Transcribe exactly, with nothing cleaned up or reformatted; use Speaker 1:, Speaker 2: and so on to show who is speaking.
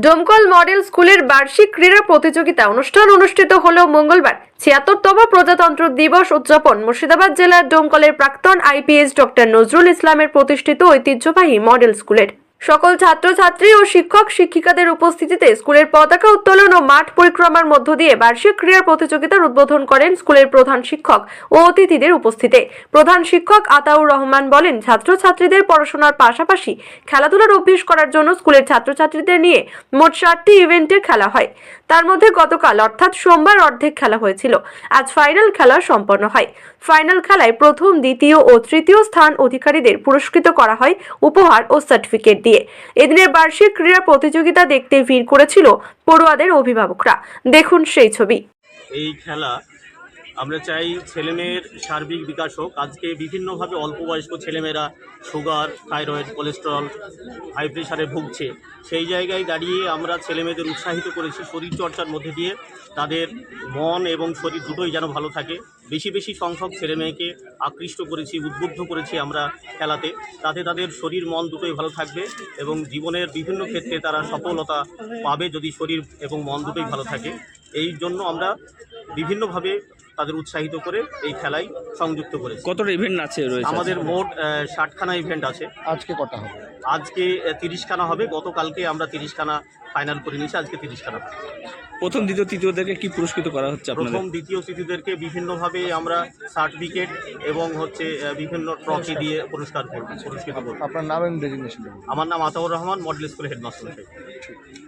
Speaker 1: Domkal model স্কুলের বার্ষিক ক্রীড়া প্রতিযোগিতা অনুষ্ঠান অনুষ্ঠিত হল মঙ্গলবার। ছিয়াত্তরতম প্রজাতন্ত্র দিবস উদযাপন মুর্শিদাবাদ জেলার ডোমকলের প্রাক্তন আইপিএস ডক্টর নজরুল ইসলামের প্রতিষ্ঠিত ঐতিহ্যবাহী মডেল স্কুলের সকল ছাত্রছাত্রী ও শিক্ষক শিক্ষিকাদের উপস্থিতিতে স্কুলের পতাকা উত্তোলন ও মাঠ পরিক্রমার মধ্য দিয়ে বার্ষিক ক্রীড়া প্রতিযোগিতার উদ্বোধন করেন স্কুলের প্রধান শিক্ষক ও অতিথিদের উপস্থিতিতে। প্রধান শিক্ষক আতাউর রহমান বলেন, ছাত্রছাত্রীদের পড়াশোনার পাশাপাশি খেলাধুলার অভ্যাস করার জন্য স্কুলের ছাত্রছাত্রীদের নিয়ে মোট ষাটটি ইভেন্টের খেলা হয়। তার মধ্যে গতকাল অর্থাৎ সোমবার অর্ধেক খেলা হয়েছিল। আজ ফাইনাল খেলা সম্পন্ন হয়। ফাইনাল খেলায় প্রথম, দ্বিতীয় ও তৃতীয় স্থান অধিকারীদের পুরস্কৃত করা হয় উপহার ও সার্টিফিকেট দিয়ে। এদিনের বার্ষিক ক্রীড়া প্রতিযোগিতা দেখতে ভিড় করেছিল পড়ুয়াদের অভিভাবকরা। দেখুন সেই ছবি।
Speaker 2: এই খেলা আমরা চাই ছেলেমেয়ের সার্বিক বিকাশ হোক। আজকে বিভিন্নভাবে অল্প বয়স্ক ছেলেমেয়েরা সুগার, থাইরয়েড, কোলেস্টেরল, হাই প্রেশারে ভুগছে। সেই জায়গায় দাঁড়িয়ে আমরা ছেলেমেয়েদের উৎসাহিত করেছি শরীরচর্চার মধ্যে দিয়ে তাদের মন এবং শরীর দুটোই যেন ভালো থাকে। বেশি বেশি সংখ্যক ছেলেমেয়েকে আকৃষ্ট করেছি, উদ্বুদ্ধ করেছি আমরা খেলাতে, তাতে তাদের শরীর মন দুটোই ভালো থাকবে এবং জীবনের বিভিন্ন ক্ষেত্রে তারা সফলতা পাবে যদি শরীর এবং মন দুটোই ভালো থাকে। এই জন্য আমরা বিভিন্নভাবে তাদের উৎসাহিত করে এই খেলায় সংযুক্ত করেছি।
Speaker 3: কতটা ইভেন্ট আছে রয়েছে?
Speaker 2: আমাদের মোট ষাটখানা ইভেন্ট আছে।
Speaker 4: আজকে কটা হবে?
Speaker 2: আজকে তিরিশখানা হবে। গতকালকে আমরা তিরিশখানা ফাইনাল করে নিয়েছি, আজকে তিরিশখানা।
Speaker 3: প্রথম, দ্বিতীয়, তৃতীয়দেরকে কি পুরস্কৃত করা হচ্ছে আপনাদের?
Speaker 2: প্রথম, দ্বিতীয়, তৃতীয়দেরকে বিভিন্নভাবে আমরা সার্টিফিকেট এবং হচ্ছে বিভিন্ন ট্রফি দিয়ে পুরস্কার করব, পুরস্কৃত করব।
Speaker 4: আপনার নাম এবং ডেজিগনেশন?
Speaker 2: আমার নাম আতাউর রহমান, মডেল স্কুলের হেডমাস্টার।